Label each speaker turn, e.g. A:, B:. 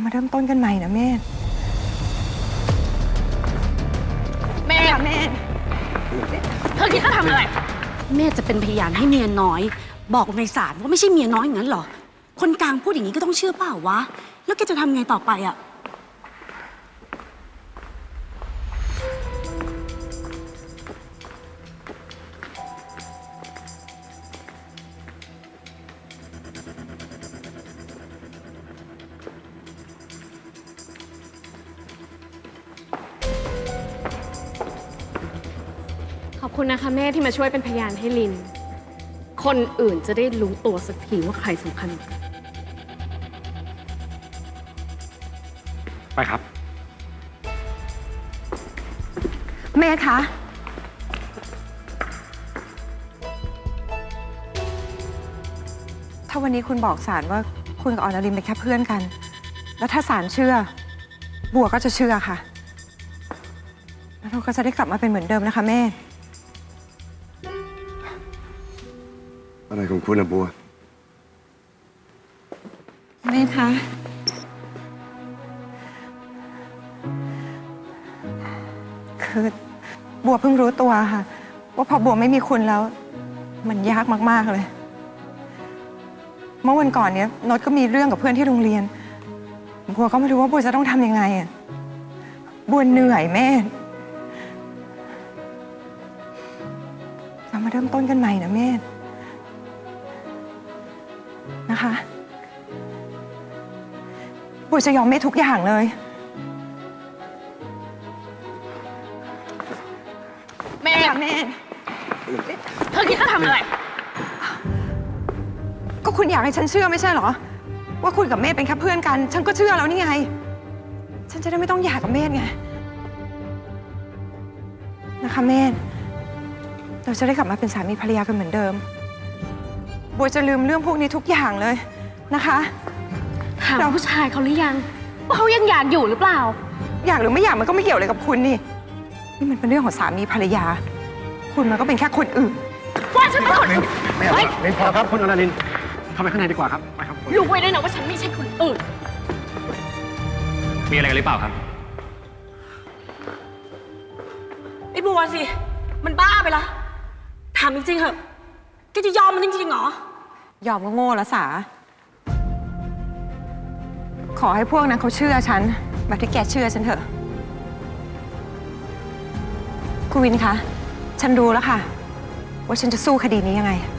A: มาเริ่มต้นกันใหม่นะเมธ
B: แม่เธอคิดจะทำอะไร
C: แม่จะเป็นพยานให้เมียน้อยบอกในศาลว่าไม่ใช่เมียน้อยอย่างนั้นเหรอคนกลางพูดอย่างนี้ก็ต้องเชื่อเปล่าวะแล้วแกจะทำไงต่อไปอะ
B: ขอบคุณนะคะแม่ที่มาช่วยเป็นพยานให้ลินคนอื่นจะได้รู้ตัวสักทีว่าใครสำคัญ
D: ไปครับ
A: เมธคะถ้าวันนี้คุณบอกศาลว่าคุณกับอรลินเป็นแค่เพื่อนกันแล้วถ้าศาลเชื่อบัวก็จะเชื่อค่ะแล้วเราก็จะได้กลับมาเป็นเหมือนเดิมนะคะเมธ
E: อะไรของคุณนะบัว
A: เมธคะคือบัวเพิ่งรู้ตัวค่ะว่าพอบัวไม่มีคุณแล้วมันยากมากๆเลยเมื่อวันก่อนเนี้ยโน้ตก็มีเรื่องกับเพื่อนที่โรงเรียนบัวก็ไม่รู้ว่าบัวจะต้องทำยังไงอ่ะบัวเหนื่อยแม่เรามาเริ่มต้นกันใหม่นะแม่นะคะบัวจะยอมแม่ทุกอย่างเลย
B: แม่เธอคิดจะทำอะไร
A: ก็คุณอยากให้ฉันเชื่อไม่ใช่เหรอว่าคุณกับเมธเป็นแค่เพื่อนกันฉันก็เชื่อแล้วนี่ไงฉันจะได้ไม่ต้องหย่ากับเมธไงนะคะเมธเราจะได้กลับมาเป็นสามีภรรยากันเหมือนเดิมบัวจะลืมเรื่องพวกนี้ทุกอย่างเลยนะคะ
B: ถามผู้ชายเขาหรือยังว่าเขายังอยากอยู่หรือเปล่า
A: อยากหรือไม่อยากมันก็ไม่เกี่ยวอะไรกับคุณนี่มันเป็นเรื่องของสามีภรรยาคุณมันก็เป็นแค่คนอื่น
B: ว่าฉันเป็นคน
D: ไม่เอาไม่พอครับคุณอรลินเข้าไปข้างในดีกว่าครับไปครับ
B: รู้ไว้ด้วยนะว่าฉันไม่ใช่คนอื่น
D: มีอะไรกันหรือเปล่าครับ
C: ไอ้บัวสิมันบ้าไปละถามจริงๆเหอะแกจะยอมมันจริงๆเหรอย
A: อมก็โง่ละสาขอให้พวกนั้นเขาเชื่อฉันแบบที่แกเชื่อฉันเถอะคุณวินคะฉันรู้แล้วค่ะว่าฉันจะสู้คดีนี้ยังไง